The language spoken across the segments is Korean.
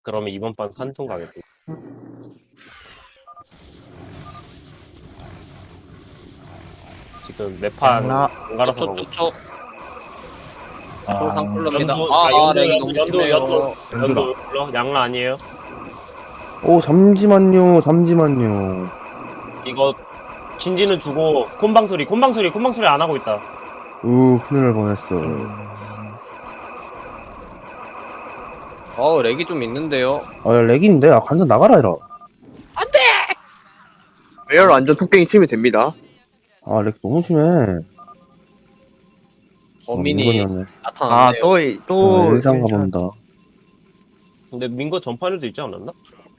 그러면 이번 판 산통 가겠습니다. 지금 매판 양라. 안 갈아서 가고 초. 아, 콜상콜로입니다. 연두, 아, 렉이 연두, 너무 연두, 심해요. 연두 불러? 양라 아니에요? 오, 잠시만요, 잠시만요. 이거 진지는 주고 콤방소리 안 하고 있다. 큰일 날 뻔했어. 렉이 좀 있는데요. 아, 야, 렉인데? 아, 간전 나가라, 해라. 에어 완전 톡갱이 치면 됩니다. 아, 렉 너무 심해. 범인이 민건이었네. 나타났네요. 일상 가본다. 근데 민거 전판에도 있지 않았나?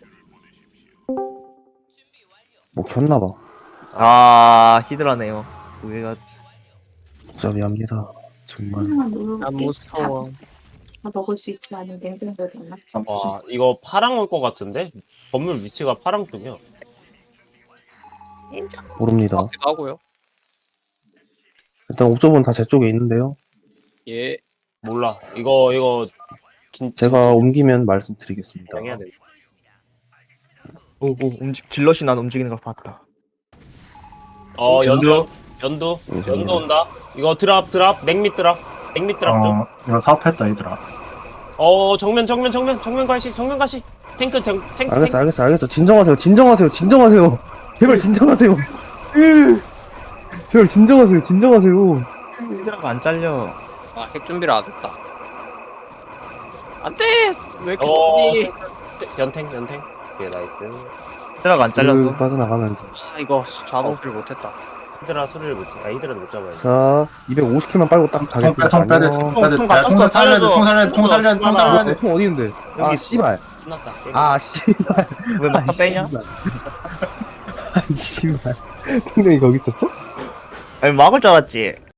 뭐, 켰나봐. 히드라네요. 우리가 진짜 미안합니다. 정말. 하나만 누르고 아, 무서워. 다 먹을 수 있지 않은 냉장고에 넣나? 와 이거 파랑 올 것 같은데? 건물 위치가 파랑 쪽이야. 모릅니다. 같기도 하고요. 일단 옵저버는 다 제 쪽에 있는데요. 예. 몰라. 이거 제가 옮기면 말씀드리겠습니다. 해야 돼. 오 질럿이 난 움직이는 걸 봤다. 연두 연두. 온다. 이거 드랍 냉밑 드랍 좀. 이거 사업했다 얘들아. 정면 가시 탱크 알겠어. 진정하세요. 제발 진정하세요. 제발 진정하세요. 히드라가 안 잘려. 아, 핵 준비를 안 했다. 안 돼! 왜 이렇게 좋니? 연탱 오케이 나이스. 히드라가 안 잘렸어. 빠져나가면서. 아, 이거 자동수를 못했다. 히드라 소리를 못해. 히드라도 못 잡아야 돼. 자, 250킬만 빨고 딱 가겠습니다. 통 빼야 돼. 안녕. 통 살려야 돼. 통 어디 있는데? 아, 씨발. 끝났다. 아, 씨발. 왜 막타 빼냐? 아, 씨발. 탱탱이 거기 있었어? 아니 막을 줄 알았지.